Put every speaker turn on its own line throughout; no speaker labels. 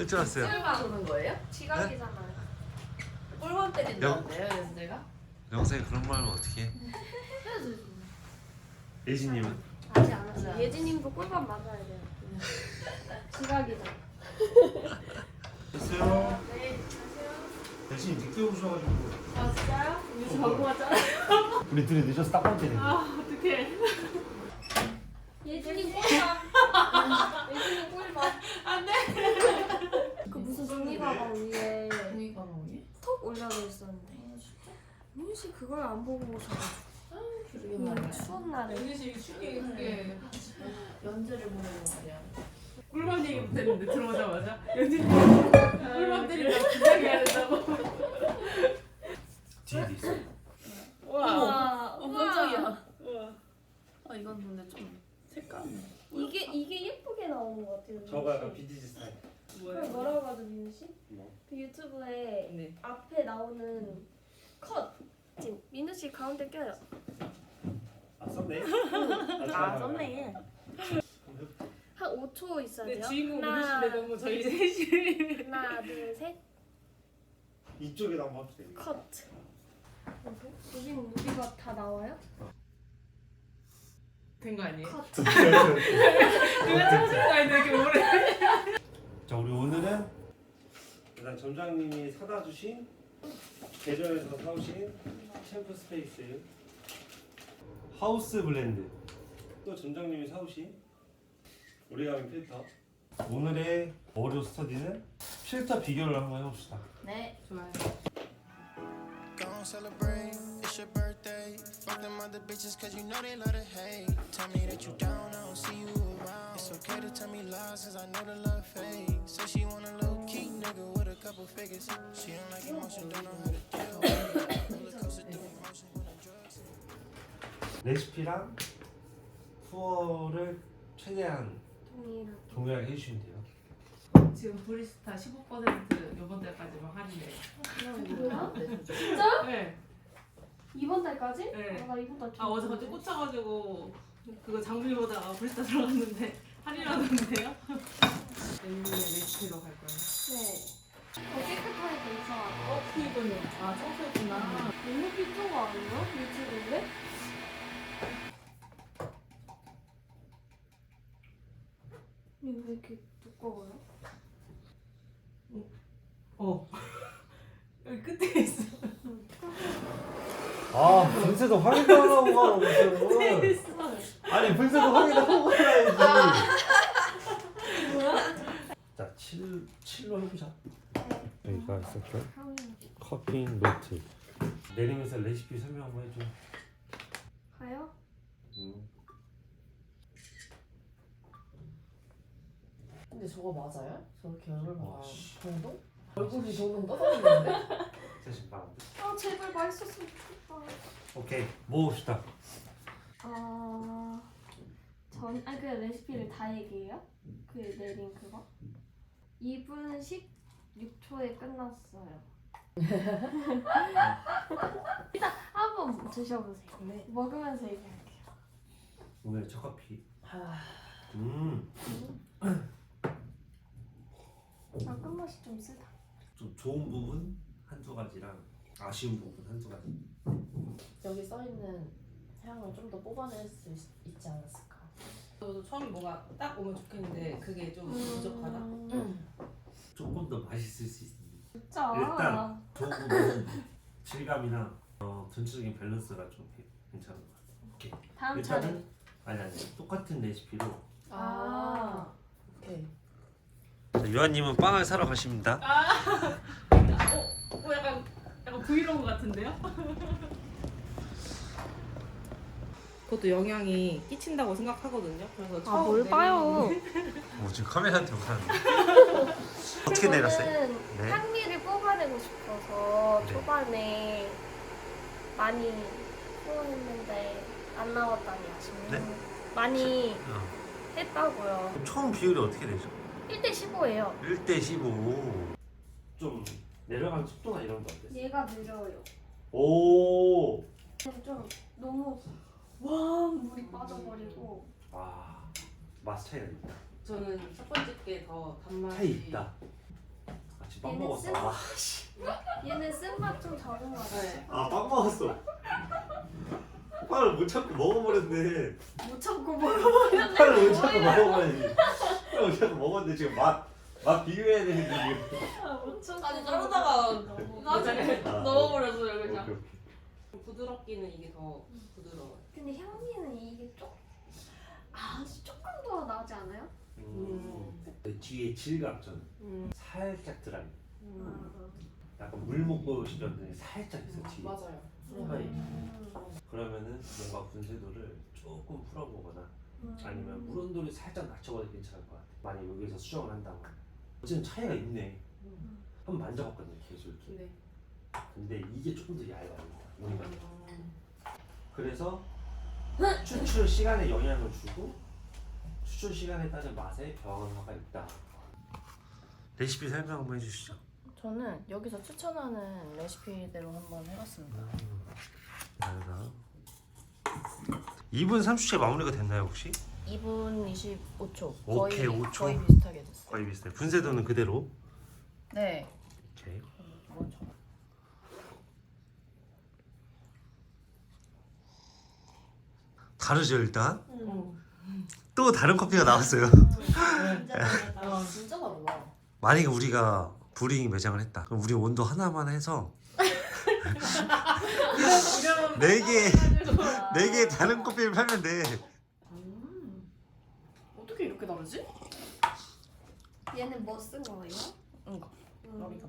줄 알았어요.
꿀밤 오는 거예요?
지각이잖아요.
꿀밤 때린다는데요, 연재가?
영상에 그런 말 하면 어떡해? 예진님은?
아직 안 했어요.
맞아.
예진님도 꿀밤 맞아야 돼요. 지각이잖아.
됐어요.
네,
대신 늦게 오셔가지고
왔어요? 뉴스 광고 왔잖아요.
우리 둘이 늦어서 딱 번째네.
어떡해. 예진님 꿀밤. 예진님 꿀밤. 안 돼. 그 무슨 종이 가방 위에
종이 가방 위에?
톡 올려져 있었는데. 민우 씨 그걸 안 보고 오셔가지고.
그러게 말이야.
추운 날에.
연재 씨 쉽게 그게 연재를 보내는 말이야.
꿀밤 얘기 못했는데 들어오자마자 연진이 꿀밤 때린다고 긴장이 해야 된다고.
뒤에도 있어.
와,
깜짝이야.
우와.
아 이건 근데 좀 색감이.
이게 예쁘게 나오는 것 같아요.
저거 약간 빈티지 스타일.
그걸 뭐라고 하죠, 민우 씨?
뭐?
그 유튜브에
네.
앞에 나오는 컷. 지금 민우 씨 가운데 껴요.
아 썼네.
아, 썼네. 한 5초 있어야
근데
돼요.
주인공
하나,
모르시는데 너무 저희 셋이.
하나, 둘, 셋.
이쪽에다 한번 합시다.
컷. 여긴 우리가 다 나와요?
된 거 아니에요?
컷.
누가 찾은 거 아닌데 이렇게 오래.
자 우리 오늘은 일단 점장님이 사다 주신 대전에서 사오신 챔프 스페이스 하우스 블렌드, 또 점장님이 사오신 오리가미 필터. 오늘의 어류 스터디는 필터 비교를 한번 해봅시다.
네.
좋아요.
Gon' celebrate, it's your birthday. Fuck them other bitches cause you know they love to hate. Tell me that you down, I don't see you around. It's okay to tell me lies cause I know the love fade. So she want a little key nigga with a couple figures. She don't like emotion, don't know how to deal with it. Roller coaster through emotion when the drugs hit.
레시피랑 투어를 최대한
동일하게.
동일하게 해주시면 돼요.
지금 브리스타 15% 이번 달까지만 할인해요.
뭐야?
진짜?
네.
이번 달까지?
네.
아, 나 이번 달
아 어제 갑자기 꽂혀가지고 그거 장비 보다가 브리스타 들어갔는데 할인하던데요? 멜리의 레시피로 갈 거예요.
네. 깨끗하게 돼 있어.
이거는 아 청소했구나.
너무 필요한 거 아니야? 유튜브인데? 이거 왜 이렇게 두꺼워요?
여기 끝에 있어.
아 분쇄도 확인하고 가라 무슨.
있어.
아니 분쇄도 확인하고 가야지. 자 7로 해보자. 여기가 있었죠. 커핑 노트. 내리면서 레시피 설명 한번 해줘.
가요?
근데 저거 맞아요? 저렇게 얼굴
와,
봐.
씨.
정도? 얼굴이 조금 떠다니는데?
사실 말안 돼.
아 제발 맛있었으면 좋겠다.
오케이 먹읍시다.
그 레시피를 다 얘기해요? 그 내린 그거? 2분 16초에 끝났어요. 일단 한번 드셔보세요.
네.
먹으면서 얘기할게요.
오늘 첫 커피.
아,
아 끝맛이 좀 쓰다.
좀 좋은 부분 한두 가지랑 아쉬운 부분 한두 가지.
여기 써있는 향을 좀 더 뽑아낼 수 있지 않았을까?
저도 처음에 뭐가 딱 오면 좋겠는데 그게 좀 부족하다.
조금 더 맛있을 수 있는.
진짜.
일단 좋은 부분은 질감이나 전체적인 밸런스가 좀 괜찮은 것 같아. 오케이.
다음 차례.
일단은 아니 똑같은 레시피로.
아, 오케이.
유한님은 빵을 사러 가십니다.
약간 브이로그 같은데요? 그것도 영향이 끼친다고 생각하거든요. 그래서 처음
뭘 봐요?
지금 카메라한테 못하는데. 어떻게 내렸어요?
저는
네.
향미를 뽑아내고 싶어서
네.
초반에 많이 후원했는데 안 나왔다니 아쉽네요.
네?
많이 했다고요.
처음 비율이 어떻게 되죠?
1대15예요.
1대15.
좀 내려가는 속도나 이런 거 어땠어?
얘가 느려요.
오.
좀 너무 왕 물이 빠져버리고
아 맛 차이가 있다.
저는 첫 번째 게 더 단맛이
차이 있다. 지금 빵
얘는
먹었어.
쓴-
아, 씨.
얘는 쓴맛 좀 적은 거 같아.
네.
아, 빵 먹었어. 빵을 못 참고 먹어버렸네.
못 참고 먹어.
빵을 못 참고 먹어버렸지. 빵을 못 참고 먹었는데 지금 맛 비교해야 되는데 지금.
못 참고.
아니 자르다가 나중에
아,
넣어버렸어요
오케이,
그냥.
오케이.
부드럽기는 이게 더 부드러워요.
근데 향기는 이게 아주 조금 더 나지 않아요?
뒤에 질감 저는 살짝 드라이. 약간 물 먹고 싶었는데 살짝 있어 뒤에.
맞아요.
후라이. 그러면은 뭔가 분쇄도를 조금 풀어보거나 아니면 물 온도를 살짝 낮춰봐도 괜찮을 것 같아. 만약 여기서 수정을 한다면 어쨌든 차이가 있네. 한번 만져봤거든요 계속 이렇게.
네.
근데 이게 조금 더 얇아요. 우리가. 그래서 추출 시간에 영향을 주고 추출 시간에 따른 맛에 변화가 있다.
레시피 설명 한번 해주시죠.
저는 여기서 추천하는 레시피대로 한번 해봤습니다.
다르다. 2분 30초에 마무리가 됐나요 혹시?
2분 25초.
오케이, 5초.
거의 비슷하게 됐어요.
거의 비슷해요. 분쇄도는 그대로.
네.
오케이.
먼저.
다르죠 일단. 또 다른 커피가 나왔어요.
아 진짜 다르다.
만약에 우리가 브링 매장을 했다. 그럼 우리 온도 하나만 해서 4개 다른 커피를 팔면 돼.
어떻게 이렇게 다르지?
얘는 뭐 쓴 거예요?
뭔가 머리가.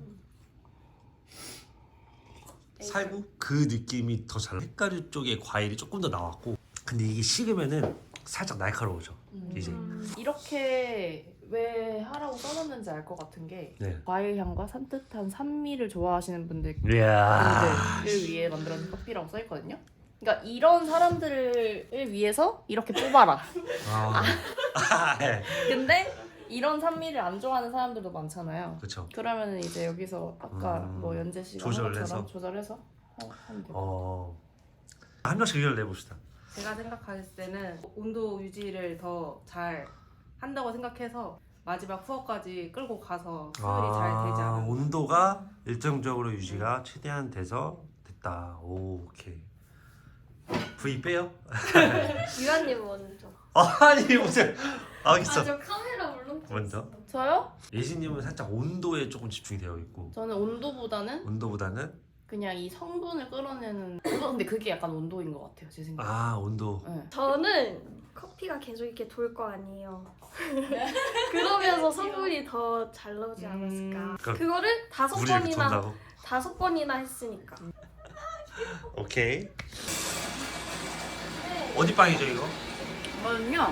살구 그 느낌이 더 잘. 색가루 쪽에 과일이 조금 더 나왔고, 근데 이게 식으면은 살짝 날카로워져. 이제.
이렇게 왜 하라고 써놨는지 알 것 같은 게
네.
과일 향과 산뜻한 산미를 좋아하시는 분들을
이야.
위해 만들어진 커피라고 써있거든요. 그러니까 이런 사람들을 위해서 이렇게 뽑아라.
네.
근데 이런 산미를 안 좋아하는 사람들도 많잖아요.
그렇죠.
그러면은 이제 여기서 아까 뭐 연재 씨가 한
조절해서?
것처럼 조절해서 하면 돼요.
한 명씩 의견을 내봅시다.
제가 생각했을 때는 온도 유지를 더 잘 한다고 생각해서 마지막 후어까지 끌고 가서 수율이 잘 되지 않았나.
온도가 일정적으로 유지가 최대한 돼서 됐다. 오, 오케이. V 빼요?
유한님 먼저.
아니 무슨 알겠어.
저 카메라 울렁증.
먼저
저요?
예진님은 살짝 온도에 조금 집중이 되어 있고
저는
온도보다는
그냥 이 성분을 끌어내는 근데 그게 약간 온도인 것 같아요 제 생각에.
온도.
네.
저는 커피가 계속 이렇게 돌 거 아니에요. 그러면서 성분이 더 잘 나오지 않았을까.
그럼
그거를
물이 이렇게 돈다고?
5번이나 했으니까.
오케이. 어디 빵이죠 이거?
이거는요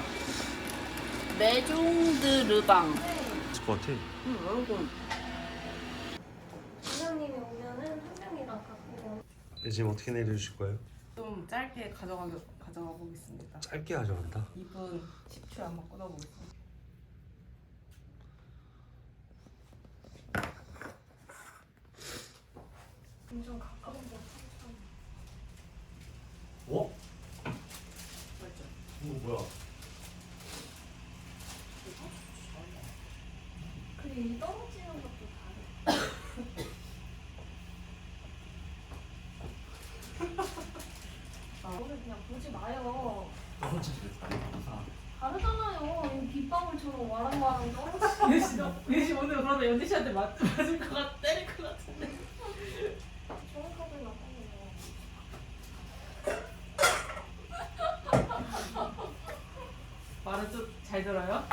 메종드르방.
있을 것 같아.
여러분
부장님이 오면은 한 명이랑 갖고.
예진 어떻게 내려주실 거예요?
좀 짧게 가져가 보겠습니다.
짧게 가져간다.
2분 10초에 한번 꽂아보겠습니다.
엄청 가까운 거.
어?
맞죠?
이거 뭐야?
그리고 이 떨어지는 것도 다르. 오늘 그냥 보지 마요. 다르잖아요. 이 빗방울처럼 와랑와랑 떨어지는.
예시 오늘 그러다 연지 씨한테 맞을 것 같, 때릴 것 같은데.
정확하게 나타내요.
말은 좀 잘 들어요?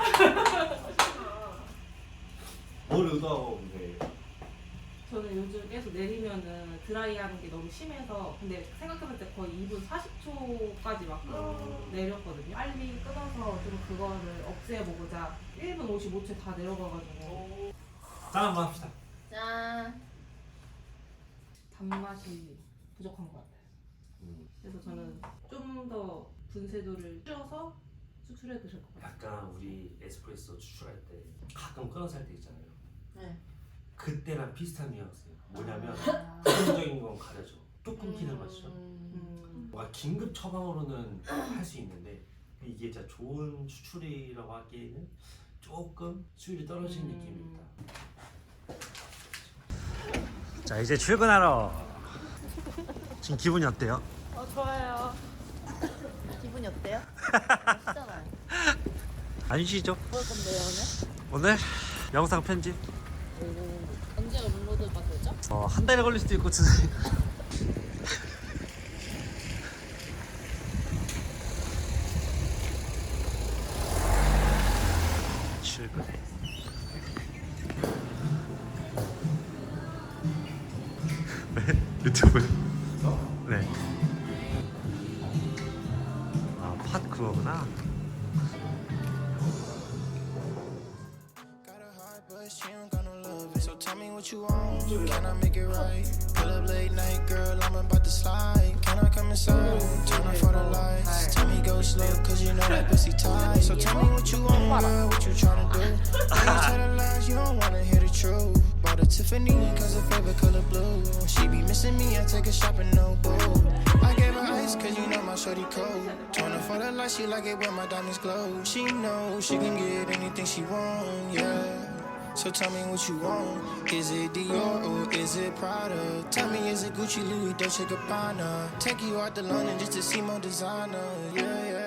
뭘 의도하고 근데
저는 요즘 계속 내리면은 드라이하는 게 너무 심해서 근데 생각해볼 때 거의 2분 40초까지 막 내렸거든요. 빨리 끊어서 좀 그거를 없애보고자 1분 55초에 다 내려가가지고
짠 한번 합시다.
짠.
단맛이 부족한 것 같아요. 그래서 저는 좀 더 분쇄도를 줄여서 추출해 드실 것 같아요.
약간 우리 에스프레소 추출할 때 가끔 끊어서 할 때 있잖아요.
네.
그때랑 비슷한 뉘앙스예요. 뭐냐면 부정적인 건 가려져. 뚝 끊기는 맛이죠. 뭔가 긴급 처방으로는 할 수 있는데 이게 진짜 좋은 추출이라고 하기에는 조금 수율이 떨어지는 느낌이 있다.
자 이제 출근하러. 지금 기분이 어때요?
좋아요.
기분이 어때요? 맛있잖아요.
안 쉬죠?
뭘 건데요 오늘?
오늘 영상 편집
언제가 업로드가 되죠?
한 달이 걸릴 수도 있고 출근. 유튜브. 네. 아, 팟 그거구나.
Got a heart, but she don't got no love. So tell me what you want. Can I make it right? Pull up late night, girl, I'm about to slide. Can I come inside? Turn off all the lights. Tell me go slow, cause you know that pussy tight. So tell me what you want, girl, what you tryna do? When you tell the lies, you don't wanna hear the truth. Bought a Tiffany, cause her favorite color blue. She be missing me, I take her shopping, no boo. I gave her ice, cause you know my shorty cold. Turn off all the lights, she like it when my diamonds glow. She knows she can get anything she want, yeah. So tell me what you want. Is it Dior or is it Prada? Tell me, is it Gucci, Louis, Dolce Gabbana? Take you out to London just to see more designer, yeah, yeah.